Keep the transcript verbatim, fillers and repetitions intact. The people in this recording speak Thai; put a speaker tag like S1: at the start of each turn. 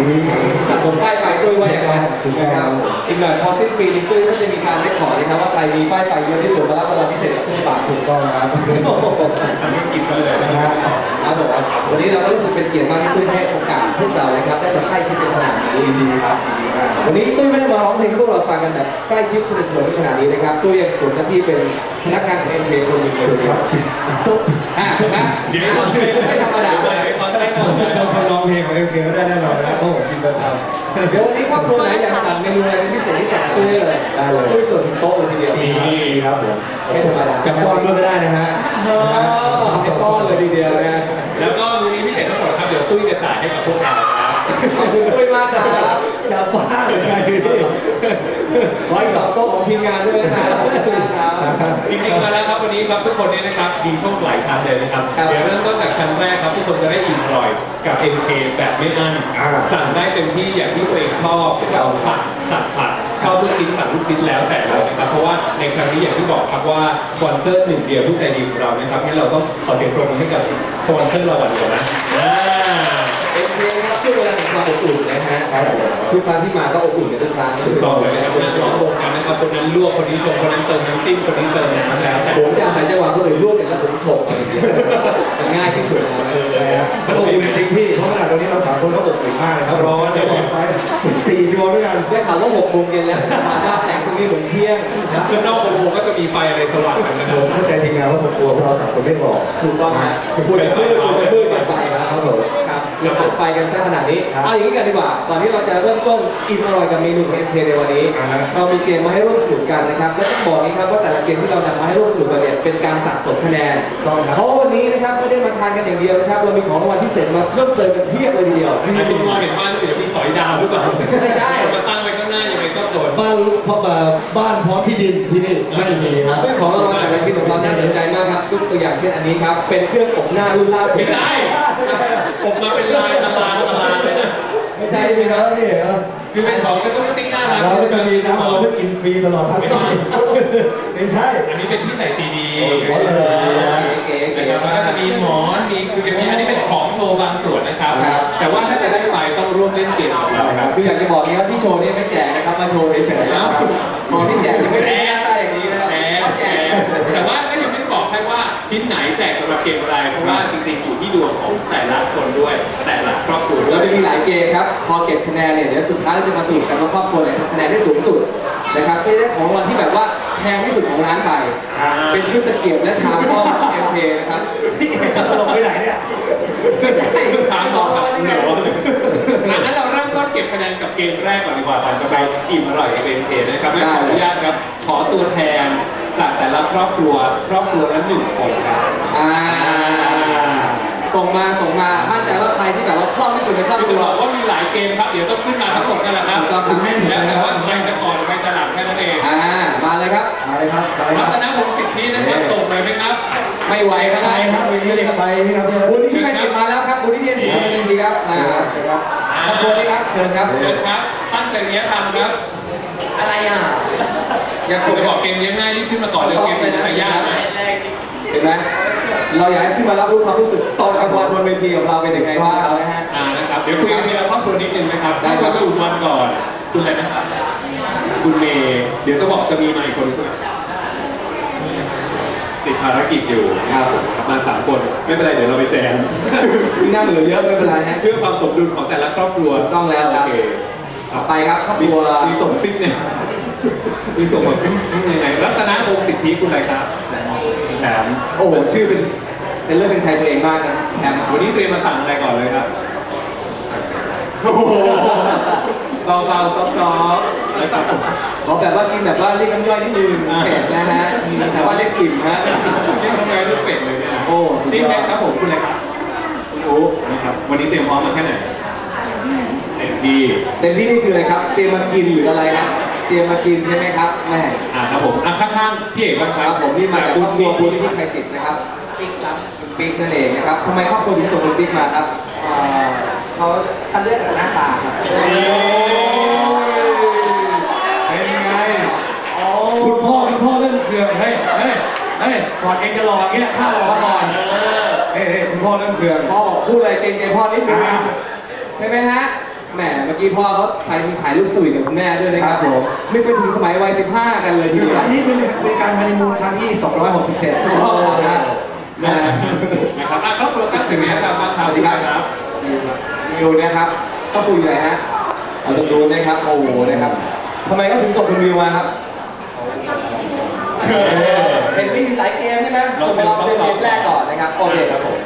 S1: สะสมป้ายไฟตุ้ยว่าอย่างไรถูกไหมครับอีกหน่อยพอสิ้นปีนี้ตุ้ยก็จะมีการเล็กขอนะครับว่าใครมีป้ายไฟเยอะที่สุดมารับรางวัลพิเศษกับตุ้ยบาทถูกต้องครับอันนี้กินกันเลยนะครับครับผมวันนี้เราก็รู้สึกเป็นเกียรติมากที่ตุ้ยให้โอกาสพวกเรานะครับได้มาใกล้ชิดกันขนาดนี้ดีครับดีมากวันนี้ตุ้ยไม่ได้มาร้องเพลงให้พวกเราฟังกันแบบใกล้ชิดสนิทสนมขนาดนี้นะครับตุ้ยยังสวมหน้าที่เป็นพนักงานของ เอ็ม เค คนหนึ่งเลยครับตุ๊กอ่ะนะเดี๋ยวเราชื่อไม่ธรรมดาเลยตอนแรกก่อนชอบคำร้องเพลงของ เอ็ม เค ก็ได้แน่นอนนะเพราะผมกินประจำเดี๋ยววันนี้ครอบครัวไหนอยากสั่งเมนูอะไรเป็นพิเศษที่สั่งตุ้ยได้เลยได้เลยตุ้ยส่วนถึงโต๊ะเลยทีเดียวดีครับผมไม่ธรรมดาจะป้อนด้วยก็ได้นะฮะให้ป้อนเลยทีเดียวนะ
S2: แล้วก็มื้อนี้พิเศษทั้งหมดครับเดี๋ยวตุ้ยจะจ่ายให้กับพวกเราครับ
S1: ขอบคุณตุ้ยมากครับจะป้าเลยไงขออีกสองโต๊ะของทีมงานด้วยนะครับ
S2: จริงๆมาแล้วครับวันนี้ครับทุกคนเนี่ยนะครับมีโชคหลายชั้นเลยนะครับเดี๋ยวเริ่มต้นจากชั้นแรกครับทุกคนจะได้อิ่มอร่อยกับ เอ็ม เค แบบไม่อั้นสั่งได้เต็มที่อย่างที่ตัวเองชอบเราผัดตัดผัดชอบลูกชิ้นสั่งลูกชิ้นแล้วแต่เลยนะครับเพราะว่าในครั้งนี้อย่างที่บอกครับว่าสปอนเซอร์หนึ่งเดียวผู้ใจดีของเรานะครับงั้นเราต้องขอเสียงปรบมือให้กับสปอนเซอร์เราวันเดียวนะ
S1: เอ็ม เค ครับช่วยเวลาแห่งความอบอุ่นนะฮะทุกครั้งที่มาก็อบอุ่นกันทุกครั้ง
S2: ถูกต้องเลยนะครับคนนั้นร้องวงกันนะครับคนนั้นลวกคนนี้ชมคนนั้นเติมน้ำจิ้มคนนี้เติมน้ำแล้วแต่
S1: ผมจะอาศัยจังหวะคนอื่นลวกเสร็จแล้วผมชมอะไรอย่างเงี้ยมันง่ายที่สุดเลย
S3: มันอบอุ่นจริงพี่เพราะขนาดตอนนี้เราสามคนก็อบอุ่นมากเลยครับร้อนจะบอกไปสี่ดวงด้วยกัน
S1: ได้ข่าวว่าหกโมงเย็นแล้วมาแสงตรงนี้เหมือนเที่ยง
S2: ข้างนอกวงก็จะมีไฟอะไรสว่างกันนะ
S3: ผมเข้าใจทีมงานว่าผมกลัวเราสามคนไม่บอก
S1: ถูกต้องฮะพูดไปมืดพูดไปมืดกันไปครับผมครับเราตัดไฟกันซะขนาดนี้เอาอย่างนี้กันดีกว่าก่อนที่เราจะเริ่มต้นอิ่มอร่อยกับเมนูของ เอ็ม เค ในวันนี้เรามีเกมมาให้ร่วมสนุกกันนะครับและต้องบอกนี้ครับว่าแต่ละเกมที่เรานำมาให้ร่วมสนุกกันเนี่ยเป็นการสะสมคะแนนเพราะวันนี้นะครับไม่ได้มาทานกันอย่างเดียวนะครับเรามีของรางวัลพิเศษมาเพิ่มเติมกันเพียบเลยทีเดียว
S2: ไอ้คุณมองเห็นบ้านเดี๋ยวมีสอยดาวหรือเปล่า
S1: ไม่ใช่
S2: มาตั้งไว้ข้างหน้ายังไงชอบโดน
S3: บ้านพอแบบบ้านพร้อมที่ดินที่นี่ไม่มีครับ
S1: ซึ่งของรางวัลแต่ละชิ้นของเราน่าสนใจมากครับยกตัวอย่างเช่นอันนี้ครับเป็นเครื่องอบหน้ารุ่นล่าสุด
S2: ไม่ใช่อบมาเป็นลายตารางตารางเลยนะ
S3: ไม่ใช่พี่ครับพี่
S2: เหรอคือเป็นของก็ต้องติ้งหน้ารัก
S3: เราก็จะมีน้ำเราก็กินฟรีตลอดทั้งปีไม่ใช่
S2: อันนี้เป็นที่ใส่ซีดี
S1: เก๋ๆนะครับ
S2: แล้วก็จะมีหมอนมีคือมีอันนี้เป็นของโชว์บางส่วนนะครับแต่ว่าถ้าจะได้ไปต้องร่วมเล่นเกมของเราครับ
S1: คืออยากจะบอกนี้ว่าที่โชว์นี้ไม่แจกนะครับมาโชว์เฉยๆนะครับของที่แจกยังไม่ได้ใต้อย่างนี้นะครับ
S2: แจกแต่ว่าก็ยังไม่ได้บอกให้ว่าชิ้นไหนแจกสำหรับเกมอะไรเพราะว่าจริงๆอยู่ที่ดวงของแต่ละคนด้วยแต่ละครอบครัว
S1: เราจะมีหลายเกมครับพอเก็บคะแนนเนี่ยเดี๋ยวสุดท้ายจะมาสรุปกันว่าครอบครัวไหนทำคะแนนได้สูงสุดนะครับก็ได้ของรางวัลที่แบบว่าแพงที่สุดของร้านไปเป็นชุดตะเกียบและชามซ่อม เอ็ม เค นะครับ
S3: ตลกไปไหนเนี่ย
S1: ไม่ใช่
S2: ถามต่อครับเหนืองั้นเราเริ่มต้นเก็บคะแนนกับเกมแรกก่อนดีกว่าก่อนจะไปอิ่มอร่อยกับ เอ็ม เค นะครับขออนุญาตครับขอตัวแทนจากแต่ละครอบครัวครอบครัวละหนึ่งคนครับ
S1: อ่าส่งมาส่งมามั่นใจว่าใครที่แบบว่าคล่องที่สุดในครอบครัว
S2: ว่ามีหลายเกมครับเดี๋ยวต้องขึ้นมาทั้งหมดกันแหละครับ
S1: คุณแม่
S2: แล้วแต่ว่าใครจะก่อนใครจะหลังแค่นั้นเอง
S1: อ่ามาเลยครับ
S3: มาเลยครับไป
S2: รัตนพงศ์สิทธินะครับส่งเลยไหมครับ
S1: ไม่ไหวครับ
S3: ไปครับวันนี้เด็กไปนี่ครับ
S1: บุญที่ไม่สิทธิ์มาแล้วครับบุญที่เทียนสิทธิ์ชมดีครับมาครับขอบคุณครับเชิญครับ
S2: เชิญครับตั้งใจเลี้ยงทำครับ
S1: อะไรอ่ะ
S2: อยากจะบอกเกมเลี้ยงง่ายนี่ขึ้นมาก่อนเลยเกมเป็นอะไรยากไหม
S1: เห็นไหมเราอยากให้ขึ้นมารับรู้ความรู้สึกตอนกลางวันบนเวทีของเราเป็นยังไงบ้างนะฮะ
S2: อ่านะครับเดี๋ยวคุยกันทีละครอบครัวนิดนึงนะครับได้มาสู่วันก่อนคุณอะไรนะครับคุณเมย์เดี๋ยวจะบอกจะมีมาอีกคนใช่ไหมติดภารกิจอยู่
S1: ครับ
S2: มาสามคนไม่เป็นไรเดี๋ยวเราไปแจม
S1: ที่นั่งเหลือเยอะไม่เป็นไรฮะ
S2: เพื่อความสมดุลของแต่ละครอบครัว
S1: ต้องแล้วครับต่อไปครับครอบครัว
S2: มีส่งซิกเนี่ยมีส่งแบบยังไงรัตนพงศ์สิทธิคุณอะไรครับแชมป์
S1: โอ้โหชื่อเป็นเป็นเรื่องเป็นชายตัวเองมากนะแชมป์
S2: วันนี้เตรียมมาสั่งอะไรก่อนเลยครับโอ้โหเบาๆซอฟๆแล้วก็
S1: ขอแบบว่ากินแบบว่าเรียกน้ำย่อยนิดนึงเผ็ดนะฮะแต่ว่าเรียกกลิ่นฮะ
S2: เรียกน้ำย่อยเรียกเป็ดเลยเนี่ย
S1: โอ้
S2: จริงไหมครับผมคุณอะไรครับคุณอู๋นะครับวันนี้เตรียมพร้อมมาแค่ไหนเต็มที่
S1: เต็มที่นี่คืออะไรครับเตรียมมากินหรืออะไรครับเตรียมมากินใช่ไหมครับแม่
S2: อ่าครับผมอ่ะข้างๆพี่เอกบ้างครับ
S1: ผมนี่มาบุญบัวบุญที่ไทยศิษย์นะครับปิ๊กครับปิ๊กนั่นเองนะครับทำไมครอบครัวถึงส่งคุณปิ๊กมาครับ
S4: เขาคัดเลือกจากหน้าตาครับ
S3: เป็นไงคุณพ่อคุณพ่อเริ่มเคืองเฮ้ยเฮ้ยเฮ้ยก่อนเองจะหล่ออย่างนี้แหละข้าหล่อก่อนเอ้ยคุณพ่อเริ่มเคือง
S1: พ่อบอกพูดอะไรเกรงใจพ่อนิดนึงใช่ไหมฮะแหมเมื่อกี้พ่อเขาถ่ายมีถ่ายรูปสวีทกับคุณแม่ด้วยนะครับ
S3: ครับผม
S1: นึกไปถึงสมัยวัยสิบห้ากันเลยที
S3: คือ
S1: เดียว
S3: อันนี้เป็นเป็นการฮันนีมูนครั้งที่สองร้อยหกสิบเจ็ดถูกต้องนะ
S1: นะ
S2: นะครับอ่ะครอบครัวครับถึงนี้ครับบ้างครับ
S1: สวัสดีครับ
S2: ครับ
S1: วิวนะครับก็คุยอะไรฮะเอาตรงนู้นนะครับโอ้โหนะครับทำไมก็ถึงส่งคุณวิวมาครับเห็นมีหลายเกมใช่ไหมส่งมาลองเชิญเกมแรกก่อนนะครับโอเคครับผม